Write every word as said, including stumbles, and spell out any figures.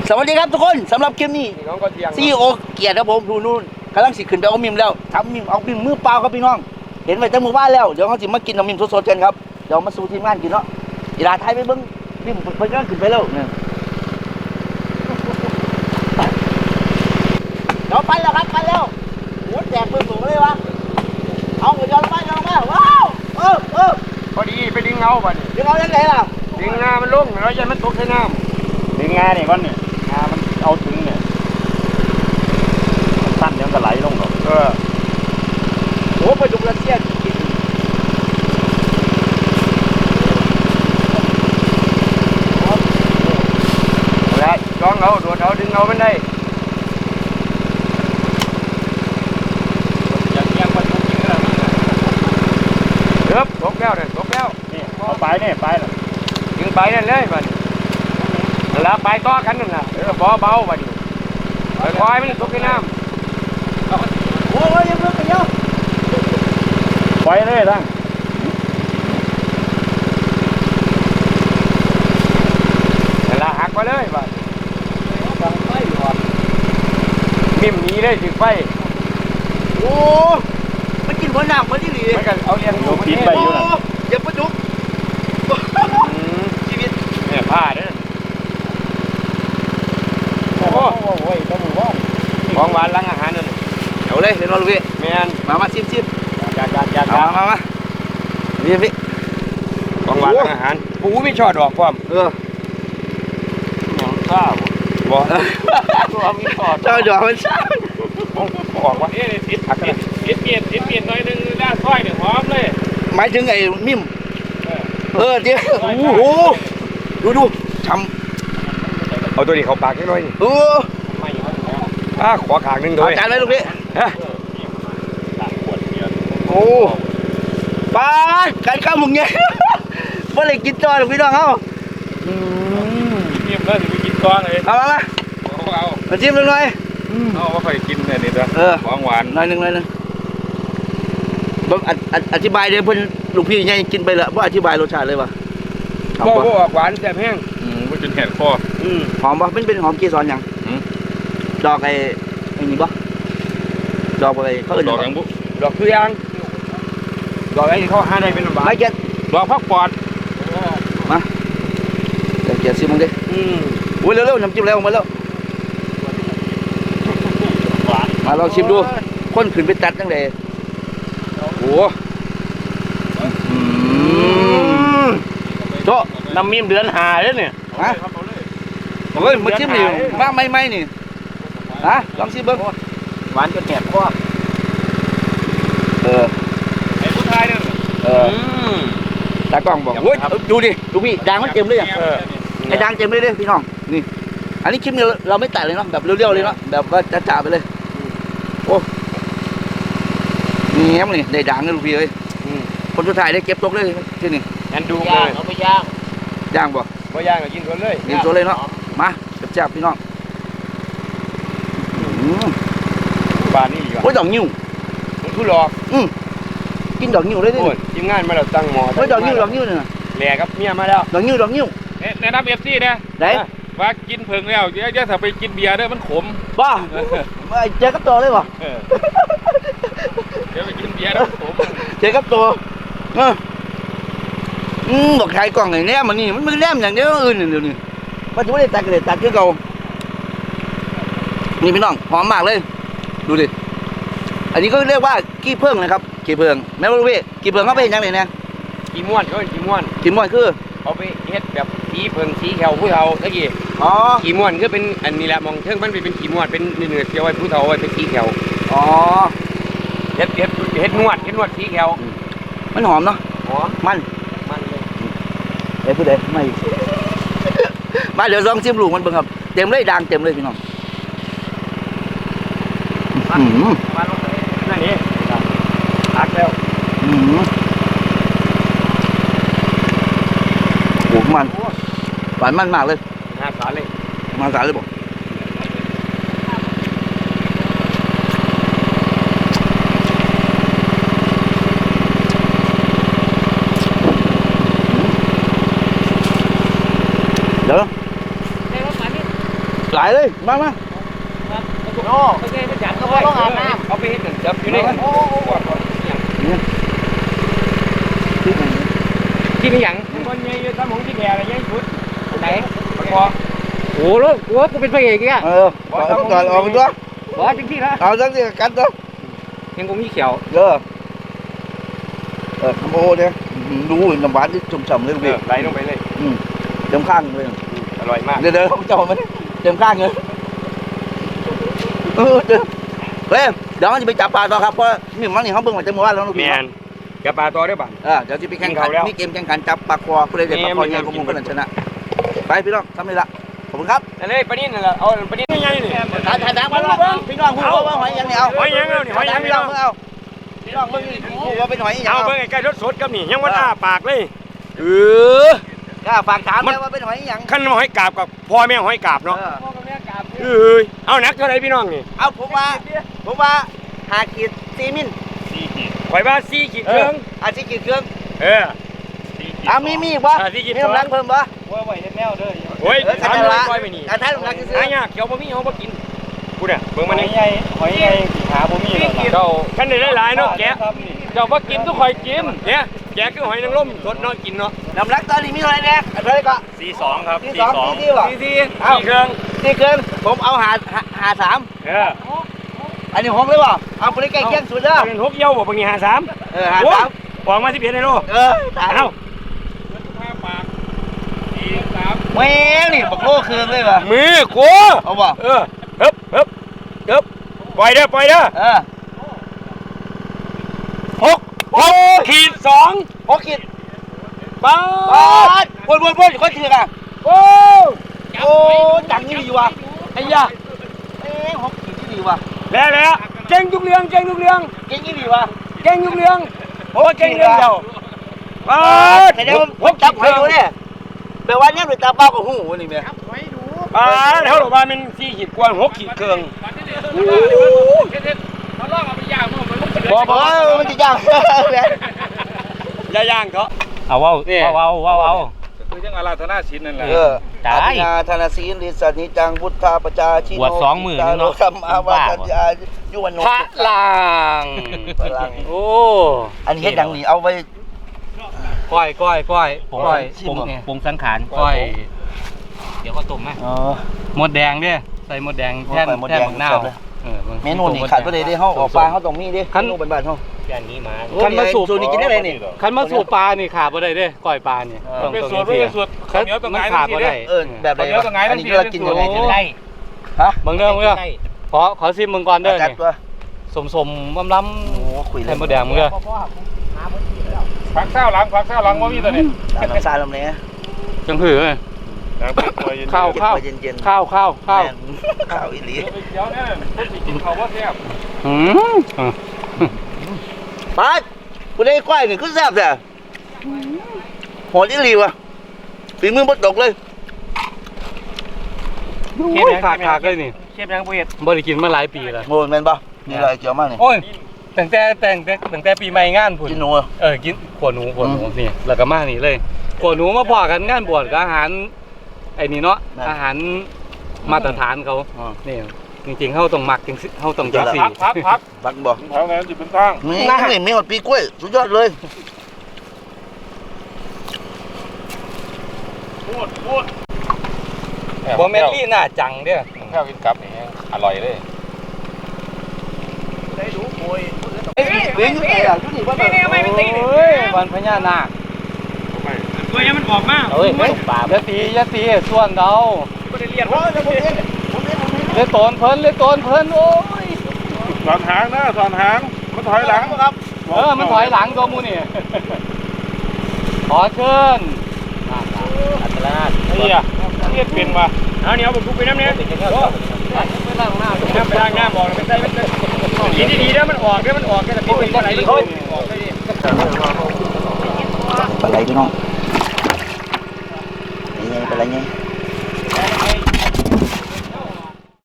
สวัสดีครับทุกคนสำหรับคลิปนี้ซีโอเกียรติครับผมดูนู่นกำลังสิขึ้นไปเอามิมแล้วทำมิมเอามิมมือเปล่าครับพี่น้องเห็นไว้ตั้งมือบ้านแล้วเดี๋ยวเขาสิมากินเอามิมสดๆกันครับเดี๋ยวมาสู่ทีมงานกินเนาะอีลาไทยไปเบิ้งมิมเพิ่งกำลังขึ้นไปแล้วเนี่ยเดี๋ยวไปแล้วครับไปแล้วโอ้แจกปืนสูงเลยวะเอาไปย้อนมาย้อนมาว้าวเออเออพอดีไปดึงเงาบ่นี่ดึงเอายังไงล่ะดึงงามันลงเราจะมันตกใส่น้ำดึงงาเนี่ยก่อนเนี่ยงามันเอาถึงเนี่ยสั้นเดี๋ยวมันก็ไหลลงหรอกเออโอ้ไปดูรัสเซียกินแล้วจ้องเอาโดดเอาดึงเอามันได้เริ่มตกแล้วเนี่ยตกแล้วนี่เอาไปเนี่ยไปเลยดึงไปนั่นเลยบัดแล้วไปต่อกันนั่นน่ะเออเบาเบาบัดไปคอยมันตกในน้ำโอ้ยยังเลิกไปเยอะไปเลยทั้งเวลาหักไปเลยบัดมิ่มนี้เลยถึงไปโอ้มันกินหัวหนักมันที่หลีมันก็เอาเลี้ยงอยู่ปิดไปอยู่น่ะอย่าปะจุกชีวิตเนี่ยผ้าเด้อโอ้โหโอ้ยต้องมือว่องของหวานล้างอาหารนั่นเดี๋ยวเลยเห็นว่าลูกพี่แมนมามาชิมชิมจัดจัดจัดมามามาพี่พี่ของหวานล้างอาหารปูไม่ชอบดอกความเออหนังข้าวบอกตัวมีชอบชอบดอกมันชอบบอกว่าเอ๊ะติดผักติดติดเปลี่ยนติดเปลี่ยนหน่อยนึงด้านซอยหนึ่งหอมเลยหมายถึงไอ้มิ่มเออเจ๊โอ้โหดูดูช้ำเอาตัวนี้เขาปากนิดหน่อยเอออ่ะขอขางนึงด้วยจานไหมลูกพี่โอ้ปลาการข้าวมึงไงเมื่อไรกินจอหรือพี่น้องเขาเงียบเลยไปกินก้อนเลยเอามาเอามาจิ้มหน่อยเอาว่าใครกินเนี่ยนี่จ้ะของหวานหน่อยหนึ่งหน่อยหนึ่งอธิบายเลยเพื่อนลูกพี่ยังกินไปละว่าอธิบายรสชาติเลยวะบ่บ่หวานแซ่บแห้งอืมว่าจนแหกคออืมหอมปะเป็นเป็นหอมเกสรยังดอกไอ้ไอ้นี่ปะดอกอะไรเขาเอ่ยดอกยังบุดอกคือยางดอกไอ้เขาหาได้เป็นหวานไม่เก็ตดอกพักปอดมาเดี๋ยวเก็ตซิมึงดิอืมอุ้ยเร็วๆน้ำจิ้มแล้วมาแล้วมาลองชิมดูคนขึ้นไปตัดตั้งแต่โอ้โตน้ำมีมเดือนหาเลยเนี่ยฮะโอ้ยมาชิมดิมาไม่ไม่นี่ฮะลองชิมเบิ้งหวานจนแหบคอเออไอ้ผู้ชายเนี่ยเออตากล้องบอกโอ้ยดูดิดูพี่ด่างมันเต็มเลยอ่ะไอ้ด่างเต็มเลยเลยพี่น้องนี่อันนี้คลิปนี้เราไม่ตัดเลยเนาะแบบเรียวๆเลยเนาะแบบว่าจ่าๆไปเลยโอ้นี่แง้มนี่ได้ด่างเลยลูกพี่เอ้ยคนสุดท้ายได้เก็บตกเลยที่นี่งั้นดูเลยเอาไปย่างย่างบ่บ่ย่างก็กินสดเลยกินสดเลยเนาะมาจับๆพี่น้องบานนี่ดีกว่าโอ้ยดอกนิ้วมันคือหลอกอืมกินดอกนิ้วเลยดิทีมงานมาแล้วตั้งหม้อโอ้ยดอกนิ้วดอกนิ้วเนี่ยแหล่กับเมียมาแล้วดอกนิ้วดอกนิ้วแนะนำเอฟซีนะไหนว่ากินเพิ่งแล้วเดี๋ยวถ้าไปกินเบียร์ด้วยมันขมบ้าเจอกับตัวเลยบ่เดี๋ยวไปกินเบียร์แล้วขมเจอกับตัวเอออืมบอกใครกล่องไหนแนมมันนี่มันไม่แนมอย่างเดียวอื่นเดี๋ยวนี้ปัจจุบันตัดกันเลยตัดคือเก่านี่พี่น้องหอมมากเลยดูดิอันนี้ก็เรียกว่ากี้เพิ่งนะครับกี้เพิ่งแม่รู้พี่กี้เพิ่งเขาไปยังไงเนี่ยกี้ม้วนก็กี้ม้วนกี้ม้วนคือเขาไปเฮ็ดแบบกี้เพิ่งสีแขวผู้เฒ่าตะกี้อ๋อกี้ม้วนคือเป็นอันนี้แหละมองเชิงมันเป็นกี้ม้วนเป็นเนื้อเกี่ยวไว้ผู้เฒ่าไว้เป็นสีแขวอ๋อเฮ็ดเฮ็ดเฮ็ดนวดเฮ็ดนวดสีแขวมันหอมเนาะหอมมันมันเลยเดี๋ยวพูดเดี๋ยวไม่มาเดี๋ยวลองชิมลูกมันเบิ่งครับเต็มเลยด่างเต็มเลยพี่น้องอืมมาลงเลยนั่นนี่หักแล้วอืมโอ้มันหวานมันมากเลยมาสาเลยมาสาเลยบอกเดี๋ยวได้รถมานี่หลหลายเลยมามาโน่ไม่ใช่ไม่จัดก็ต้องอาบน้ำเอาไปเห็นจับอยู่ในกันโอ้โหที่นี่หยังคนใหญ่ยืนทำของที่แดงอะไรยังชุดไหนพอโอ้โหโอ้กูเป็นพระเอกอ่ะเออก่อนก่อนออกตัวบอสจริงที่ละเอาจังสิกันตัวยังกูมีเขียวเออเออโอ้เนี่ยดูน้ำหวานที่ชุ่มๆเลยพี่ไหลลงไปเลยอืมเต็มข้างเลยอร่อยมากเดี๋ยวเดี๋ยวเขาจะเอามันเต็มข้างเลยเออเดี๋ยวเฮ้ยเดี๋ยวมันจะไปจับปลาต่อครับเพราะมีมันนี่เขาเบิ่งมาจากเมื่อวานแล้วลูกพี่กับปลาตัวได้บ้างเออเดี๋ยวจะไปแข่งขันมีเกมแข่งขันจับปลาคอผู้ใดเด็ดปลาคอใหญ่กว่ามุมกันชนะไปพี่น้องทำเลยละขอบคุณครับนั่นเลยปลานิ่นนั่นแหละเอาปลานิ่นยังไงนี่ถ่ายถ่ายถ่ายมาพี่น้องพูดว่าหอยยังเนี่ยเอาหอยยังเอานี่หอยยังพี่น้องเอาพี่น้องเบิ่งพูดว่าเป็นหอยยังเอาเบิ่งไอ้ไก่รสสดกับนี่ยังวันอ้าปากเลยเออกล้าฝากถามเลยว่าเป็นหอยยังขั้นหอยกาบกับพ่อแม่หอยกาบเนาะเออเอานักเท่าไรพี่น้องนี่เอาผมว่าผมว่าหาขีดสี่มิลสี่ขีดข่อยว่าสี่ขีดเครื่องอ่ะสี่ขีดเครื่องเอออ่ะมีมีอีกปะมีกำลังเพิ่มปะว่าไหวแนวเด้อโอ้ยทำอะไรไปนี่การทายกำลังซื้อหายากเขียวบะหมี่เขาบ่กินกูเนี่ยเบิ่งมันใหญ่หอยใหญ่หาบะหมี่เจ้าขั้นได้หลายเนาะแกเจ้าบ่กินทุกข่อยกินเนี่ยแกคือหอยนางรมสดเนาะกินเนาะน้ำรักตอนนี้มีเท่าไหร่เนี่ยเท่าไหร่ก็สี่สองครับสี่สองสี่สี่วะสี่สี่สี่เครื่องสี่เครื่องผมเอาหาหาสามเอออันนี้หกเลยป่ะเอาไปใกล้เคียงสุดเด้อเป็นหกเยี่ยวบ่บางทีหาสามเออหาสามปองมาสิบเอ็ดในโลเออตายเอาแม่นี่บักโลคืนเลยป่ะมือกูเอาป่ะเออฮึบฮึบฮึบปล่อยเด้อปล่อยเด้อเออหกหกขีดสองหกขีดป้าวนวนวนคนถืออ่ะโอ้โอ้จังนี่ดีว่ะไอ้ยาเอ๊ะหกขีดดีว่ะแล้วแล้วเก่งทุกเรื่องเก่งทุกเรื่องเก่งนี่ดีว่ะเก่งทุกเรื่องโอ้เก่งเรื่องเดียวป้าแต่เดี๋ยวผมจับให้ดูเนี่ยแปลว่าเนี่ยหรือตาเป้ากับหูนี่แม่ป้าแล้วหรือว่ามันสี่ขีดกว่าหกขีดเครื่องบ่บ่มันจะย่างย่าย่างเขาเอาว้าวว้าวว้าวว้าวคือจังอาราธนาศีลนั่นแหละเอออาราธนาศีลฤทธิ์นิจังพุทธาปจาชิโนบวชสองหมื่นเนาะคำอาวาสัญญายุวันโนพระลังพระลังโอ้อันนี้เฮ็ดดังนี่เอาไว้ก้อยก้อยก้อยก้อยปรุงปรุงสังขารก้อยเดี๋ยวก็ต้มไหมอ๋อหมดแดงดิใส่หมดแดงแท่นแท่นหมกหน้าเมนูนี่ขาดก็เลยได้เฮาออกปลาเฮาต้องมีดิเมนูบ้านๆเฮาแค่นี้มาคันมาสูบสูตรนี่กินได้เลยนี่คันมาสูบปลานี่ขาดบ่ได้เด้ก้อยปลานี่เป็นสูตรเป็นสูตรข้าวเหนียวตรงไหนขาดบ่ได้เออแบบไหนอันนี้เรากินยังไงกินได้ฮะบางเรื่องบางเรื่องขอขอซิมมึงก่อนเด้อนี่สมสมล้ำล้ำโอ้คุยเลยหมดแดงมึงเด้อผักข้าวหลังผักข้าวหลังว่ามีตัวนี้น้ำซาลำเนี้ยจังหือข้าวข้าวข้าวข้าวข้าวข้าวอีหลีเดี๋ยวเนี่ยคนสิกินข้าวว่าแซ่บอืมไปกูได้ก้อยหนึ่งก็แซ่บแต่หอมอีหลีวะฝีมือบดตกเลยเชฟขาดขาดเลยนี่เชฟยังบ่เฮ็ดบ่ได้กินมาหลายปีแล้วโอ้แม่นป่ะนี่อะไรเกี่ยวมากนี่โอ้ยตั้งแต่แต่งตั้งแต่ปีใหม่งานพุ่นกินหนูเออกินขวหนูขวหนูนี่แล้วก็มานี่เลยขวหนูมาพอกันงานบวชกับอาหารไอ้นี่เนาะอาหารมาตรฐานเขานี่จริงๆเขาต้องหมักจริงเขาต้องจังสี่พักพักพักบ่แถวนั้นจะเป็นตั้งนี่นี่มีหมดปีกล้วยสุดยอดเลยพูดพูดบอเมลลี่น่าจังเด้อข้าวกินกับนี่อร่อยเลยได้ดูโวยเฮ้ยเฮ้ยไอ้อะชุดนี้ว่าแบบไม่ไม่ตีนี่วันพญานาคตัวนี้มันออกมากเฮ้ยยะตียะตีส่วนเราไม่ได้เรียนว่าจะผมเองผมเองผมเองเลยโตนเพิ่นเลยโตนเพิ่นโอ้ยสอนหางนะสอนหางมันถอยหลังครับเออมันถอยหลังตัวมูนี่ขอเชิญอัตราเฮียเฮียเป็นว่ะเอาเนี่ยผมทุกไปน้ำเนี้ยไปล้างหน้าไปล้างหน้าบอกไม่ใช่ไม่ใช่ดีดีๆแล้วมันออกแล้วมันออกแค่แต่เป็นเป็นอะไรออกไปดิปลาไหลพี่น้องนี่ไงปลาไหลไง